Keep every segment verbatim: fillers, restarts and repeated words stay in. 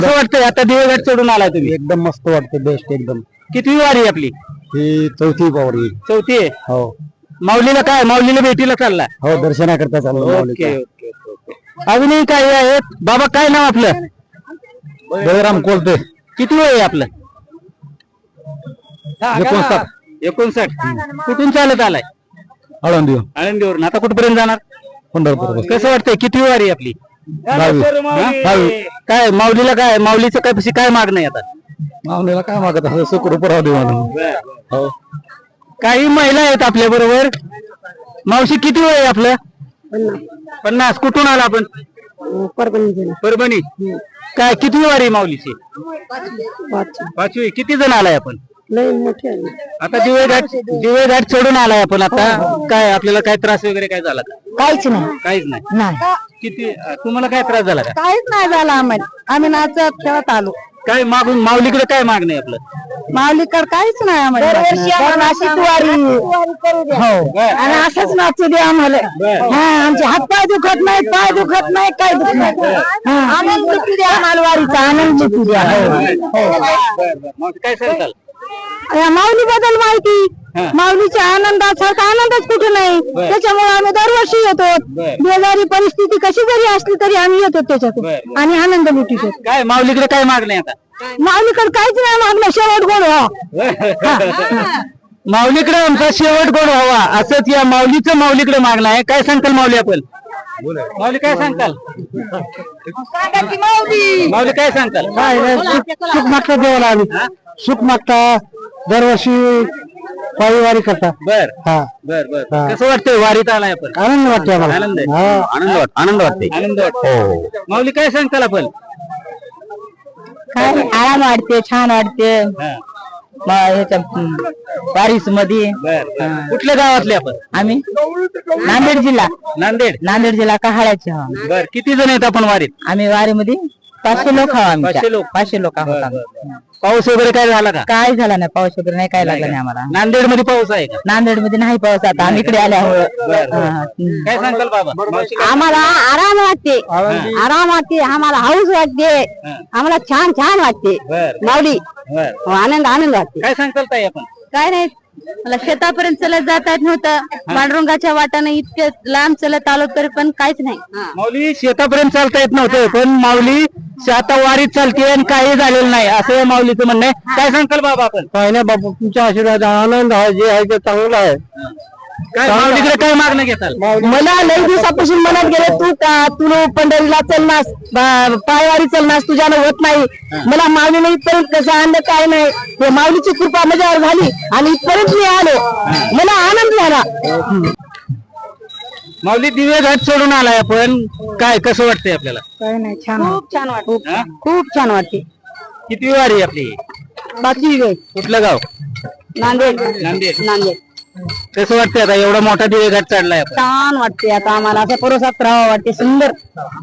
कसं वाटतंय आता देवघाट चढून आलाय तुम्ही? एकदम मस्त वाटतं, बेस्ट एकदम. कितवी वारी आहे आपली? ही चौथी वारी. चौथी आहे. हो माऊलीला काय माऊलीला भेटीला चाललाय? हो, दर्शनाकरता चाललो. Okay okay okay. अजूनही काही आहेत बाबा, काय नाव आपलं? बळराम कोलते. किती वय आहे आपलं? एकोणसाठ. एकोणसाठ. कुठून चालत आलाय? आळंदी आळंदीवरून. आता कुठपर्यंत जाणार? पंढरपूर. कसं वाटतंय किती वारी आहे आपली? दहावी. हा? काय माऊलीला काय माऊलीचं काय पशी काय मागणं आहे आता? माऊलीला काय मागत असं सुखरूप राहू दे म्हणून. हो. काही महिला आहेत आपल्या बरोबर. मावशी किती वय आहे आपलं? पन्नास. कुठून आला आपण? परभणी. परभणी. काय किती वारी आहे माऊलीची? पाचवी. किती जण आलाय आपण? लय मोठे आहे. आता दिवे घाट दिवे घाट चढून आलाय आपण. आता काय आपल्याला काय त्रास वगैरे काय झाला का? काहीच नाही. काहीच नाही. नाही किती तुम्हाला काय त्रास झाला का? काहीच नाही झालं आम्हाला. आम्ही नाचत खेळत आलो. काय मागून माऊलीकडे काय मागणं आहे आपलं? माऊलीकर काहीच नाही आम्हाला. अशीच वारी हो आणि असंच नाचू दे आम्हाला. हा, आमचे हात पाय दुखत नाही, पाय दुखत नाही, काय दुखत नाही. आनंद लुटू द्या आम्हाला, वारीचा आनंद लुटू द्या. काय सांगताल? माऊली बद्दल माहिती, माऊलीच्या आनंदासारखा आनंदच कुठे नाही. त्याच्यामुळे आम्ही दरवर्षी येतो. बेजारी परिस्थिती कशी जरी असली तरी आम्ही येतो त्याच्यातून आणि आनंद लुटितो. काय माऊलीकडे काय मागणं आहे आता? माऊलीकडे काहीच नाही मागणं, शेवट गोड व्हा. माऊलीकडे आमचा शेवट गोड व्हावा असंच या माऊलीचं माऊलीकडे मागणं आहे. काय सांगताल माऊली आपण? माऊली काय सांगताल? माऊली काय सांगताल? सुख मागता देवाला आम्ही. सुख मागता दरवर्षी पायी वारी करता. बर हा बर बर. कसं वाटतंय वारीत आलाय आपण? आनंद वाटतो आम्हाला. आनंद आहे. हा, आनंद वाटत आनंद वाटते आनंद वाटतो. माऊली काय सांगताल आपण? काय आराम वाटते, छान वाटते. वारीस मध्ये कुठल्या गावातले आपण? आम्ही नांदेड जिल्हा. नांदेड. नांदेड जिल्हा कहाळ्याचे. बर. किती जण आहेत आपण वारीत? आम्ही वारीमध्ये पाचशे लोक आहोत. आम्ही पाचशे लोक. पाचशे लोक आहोत आम्ही. पाऊस वगैरे काय झाला का? काय झाला नाही, पाऊस वगैरे नाही, काय लागला नाही आम्हाला. नांदेड मध्ये पाऊस आहे का? नांदेड मध्ये नाही पाऊस. आता आम्ही इकडे आल्यामुळे काय सांगताल बाबा? मावशी काय- आम्हाला आराम वाटते, आराम वाटते आम्हाला, हाऊस वाटते आम्हाला, छान छान वाटते. बर माऊली बर. आनंद आनंद वाटते. काय सांगताल ताई आपण? काय नाही, मला शेतापर्यंत चलत जाता येत नव्हतं. पांडुरंगाच्या वाटाने इतके लांब चलत आलो तरी पण काहीच नाही. माऊली शेतापर्यंत चालता येत नव्हतं पण माऊली आता वारीत चालते आणि काही झालेलं नाही असं या माऊलीचं म्हणणं आहे. काय सांगताल बाबा आपण? काय नाही बाबा, तुमच्या आशीर्वाद आनंद आहे, जे आहे ते चांगलं आहे. काय माऊलीकडे काय मागणं घेताल? मला लई दिवसापासून मनात गेले, तू तू पंढरीला चलनास, पायवारी चलनास, तुझ्यानं होत नाही. मला माऊलीने इथपर्यंत कसं आणलं काय नाही, हे माऊलीची कृपा माझ्यावर झाली आणि इथपर्यंत मी आलो. मला आनंद झाला. माऊली दिवे घाट सोडून आलाय आपण. काय कसं वाटतंय आपल्याला? काय नाही, छान, खूप छान वाटते, खूप छान वाटते. किती वारी आहे आपली? बाकी कुठलं गाव? नांदेड. नांदेड. नांदेड. कसं वाटतंय आता एवढा मोठा दिवे घाट चढलाय आपण? छान वाटते. आता आम्हाला असं परोसात राहावं वाटते, सुंदर.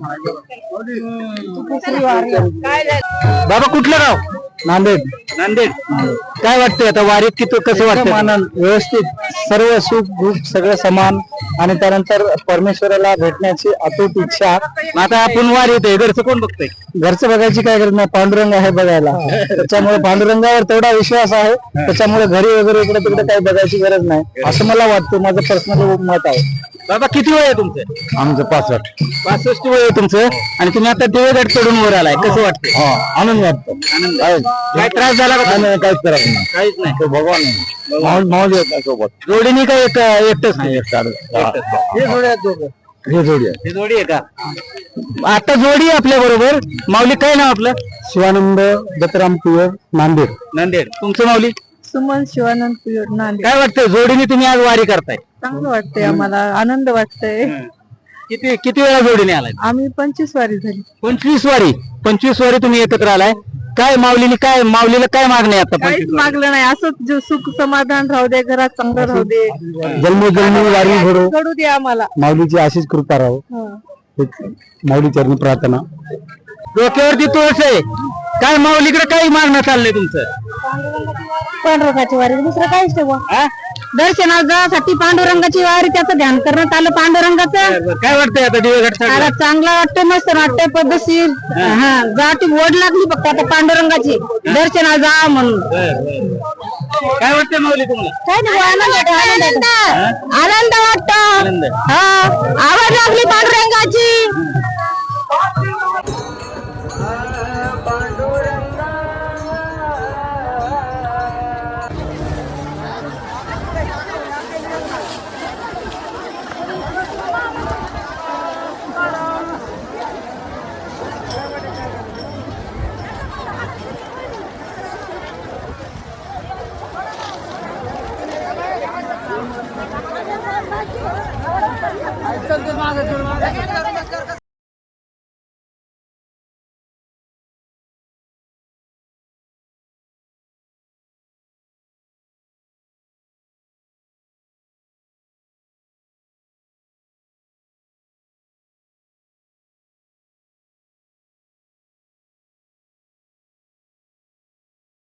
बाबा कुठलं गाव? नांदेड. नांदेड. काय वाटतंय आता वारीत किती कसं वाटतं? आनंद, व्यवस्थित, सर्व सुख दुःख सगळं समान आणि त्यानंतर परमेश्वराला भेटण्याची अतूट इच्छा. आता आपण वारीत आहे, घरचं कोण बघतंय? घरचं बघायची काय गरज नाही, पांडुरंग आहे बघायला. त्याच्यामुळे पांडुरंगावर तेवढा विश्वास आहे, त्याच्यामुळे घरी वगैरे इकडे तिकडे काही बघायची गरज नाही असं मला वाटतं. माझं पर्सनल मत आहे. बाबा किती वय आहे तुमचं? आमचं पासष्ट. पासष्ट वय आहे तुमचं आणि तुम्ही आता दिवे घाट चढून वर आलाय. कसं वाटतंय? आनंद वाटतो. आनंद आहे. काय त्रास झाला का? काहीच करत नाही, काहीच नाही. तो भगवान आहे. माऊल माऊल येत नाही सोबत. जोडीने काय एक एकटंच नाही? हे जोडी आहेत दोघं. हे जोडी आहे. हे जोडी आहे का? आता जोडी आपल्या बरोबर. माऊली काय नाव आपलं? शिवानंद दत्तराम कुयर, नांदेड. नांदेड. तुमचं माऊली? सुमन शिवानंद कुयर, नांदेड. काय वाटतंय जोडीने तुम्ही आज वारी करताय? चांगलं वाटतंय आम्हाला, आनंद वाटतंय. किती किती वेळा जोडीने आलाय? आम्ही पंचवीस वारी झाली. पंचवीस वारी. पंचवीस वारी तुम्ही एकत्र आलाय. काय माऊलीने काय माऊलीला काय मागणं आहे आता? काहीच मागलं नाही, असंच जो सुख समाधान राहू दे, घरात चांगलं राहू दे, जन्मोजन्मी वारी घडो, घडू दे आम्हाला. माऊलीची अशीच कृपा राहो. माऊली चरणी प्रार्थना. डोक्यावरती तुळस आहे. काय माऊलीकडे काही मागणं चाललंय तुमचं? पांडुरंगाची वारी दुसरं काहीच नाही बुवा. हा? दर्शनासाठी पांडुरंगाची वारी त्याचं ध्यान करण्यात आलं पांडुरंगाचं. बरं, बरं. काय वाटतंय आता दिवेघाट आता चांगला वाटतं मस्त वाटतंय पद्धतशीर. हा जाटी ओढ लागली फक्त आता पांडुरंगाची दर्शनाला जा म्हणून. काय वाटतंय माऊली तुम्हाला? काय नाही बुवा, आनंद वाटतो, आनंद वाटतो. आनंद वाटतो. आनंद. हा आवड लागली पांडुरंगाची.